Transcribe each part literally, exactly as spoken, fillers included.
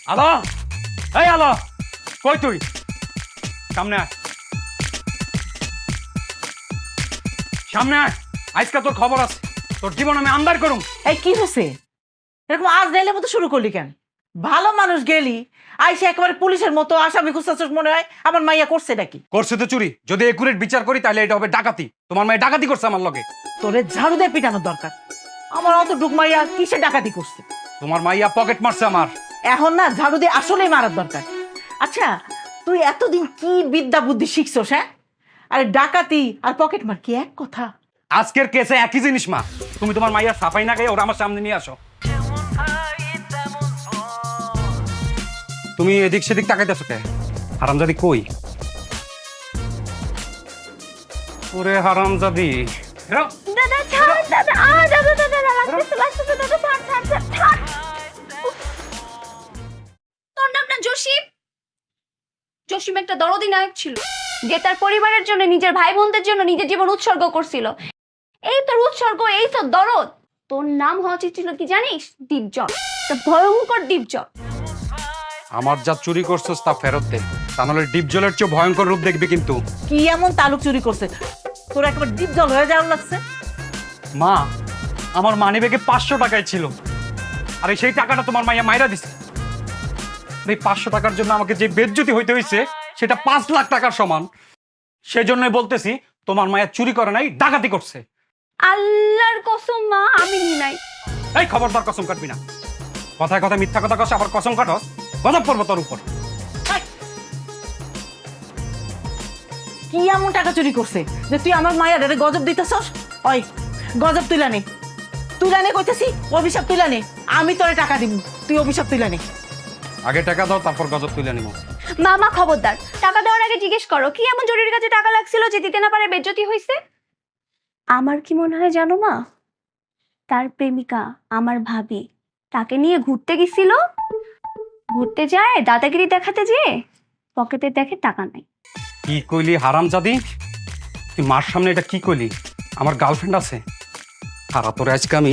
আলো, এই আলো, কই তুই? সামনে আয়, সামনে আয়। আজকে তোর খবর আছে, তোর জীবন আমি আন্দার করুম। এই কি হয়েছে? এরকম আজ নাইলে মতো শুরু করলি কেন? ভালো মানুষ গেলি আইসে একেবারে পুলিশের মতো আসামি খুঁজতেছিস মনে হয়। আমার মাইয়া করছে নাকি? করছে তো চুরি। যদি একুরেট বিচার করি তাহলে এটা হবে ডাকাতি। তোমার মেয়ে ডাকাতি করছে আমার লগে। তোরে ঝাড়ু দিয়ে পিটানোর দরকার। আমার অত ডুক মাইয়া কিসে ডাকাতি করছে? তোমার মাইয়া পকেট মারছে আমার। এখন না ঝাড়ু দিয়ে আসলেই মারার দরকার। আচ্ছা, তুই এতদিন কি বিদ্যা বুদ্ধি শিখছস? হ্যাঁ, আরে ডাকাতি আর পকেট মার কি এক কথা? আজকের কেসে একই জিনিস মা। তুমি তোমার মাইয়া সাফাই না গায়ে ওরা আমার সামনে নিয়ে আসো। তুমি এদিক সেদিক তাকাইতেছো কে? হারামজাদি কই? ওরে হারামজাদি, হেরো। দাদা ছাড়, দাদা আ দাদা দাদা লাগতেছে লাগতেছে দাদা ছাড় ছাড় ছাড় ছাড়। তোর নাম না জসিম? জসিম একটা দরদি নায়ক ছিল, যে তার পরিবারের জন্য, নিজের ভাই বোনদের জন্য নিজের জীবন উৎসর্গ করছিল। এই তোর উৎসর্গ, এই তোর দরদ। তোর নাম হওয়া উচিত ছিল কি জানিস? দীপজল, একটা ভয়ঙ্কর দীপজল। আমার যা চুরি করছস তা ফেরত দে, তা নাহলে ডিপ জলের চেয়ে ভয়ঙ্কর রূপ দেখবি কিন্তু। কি এমন তালুক চুরি করছে তোর একবার ডিপ জল হয়ে যাওয়ার লাগছে? মা, আমার মানিব্যাগে পাঁচশো টাকাই ছিল, আর এই সেই টাকাটা তোমার মাইয়া মাইরা দিছে। এই পাঁচশো টাকার জন্য আমাকে যে বেজ্জতি হইতে হইছে সেটা পাঁচ লাখ টাকার সমান। সেজন্যই বলতেছি তোমার মায়া চুরি করে নাই, ডাকাতি করছে। আল্লাহর কসম মা, আমি নি নাই। এই খবরদার কসম কাটবি না। কথায় কথায় মিথ্যা কথা কস, আবার কসম কাটস, গজব পড়বো তোর উপর। কি এমন টাকা চুরি করছে যে তুই আমার মায়ের আরে গজব দিতেছস? ওই গজব তুইলা নে, তুইলা নে কইতেছি, অভিশাপ তুইলা নে। আমি তোরে টাকা দিব, তুই অভিশাপ তুইলা নে। আগে টাকা দাও, তারপর গজব তুলে নিব। মামা খবরদার, টাকা দেওয়ার আগে জিজ্ঞেস করো কি এমন জরুরি কাজে টাকা লাগছিল যে দিতে না পারে বেজ্জতি হয়েছে। আমার কি মনে হয় জানো মা, তার প্রেমিকা আমার ভাবি তাকে নিয়ে ঘুরতে গেছিল, ঘুরতে যায় দাদাগিরি দেখাতে যেয়ে পকেটে দেখে টাকা নাই। কি কইলি হারামজাদি? তুই মার সামনে এটা কি কইলি? আমার গার্লফ্রেন্ড আছে। হারা তোর আজকে আমি।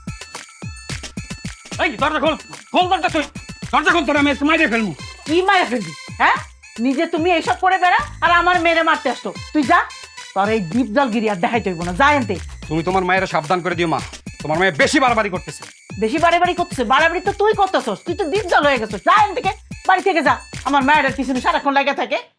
এই দরজা খোল, খোল দরজা, তুই দরজা খোল, তোর আমি মাইরে ফেলবো। কি মায়া ফেলবি? হ্যাঁ, নিজে তুমি এইসব করে বেড়া আর আমার মেরে মারতে আসতো। তুই যা, তোর এই ডিপ জল গিরি আর দেখাইতে হইব না, যা এনতে। তুমি তোমার মায়ের সাবধান করে দিও মা, তোমার মায়ের বেশি বাড়াবাড়ি করতেছে। বেশি বাড়ি বাড়ি করতেছে? বাড়াবাড়ি তো তুই করতেছস, তুই তো ডিপ জল হয়ে গেছিস। যা এন থেকে, বাড়ি থেকে যা। আমার মায়ের পিছনে সারাক্ষণ লাগা থাকে।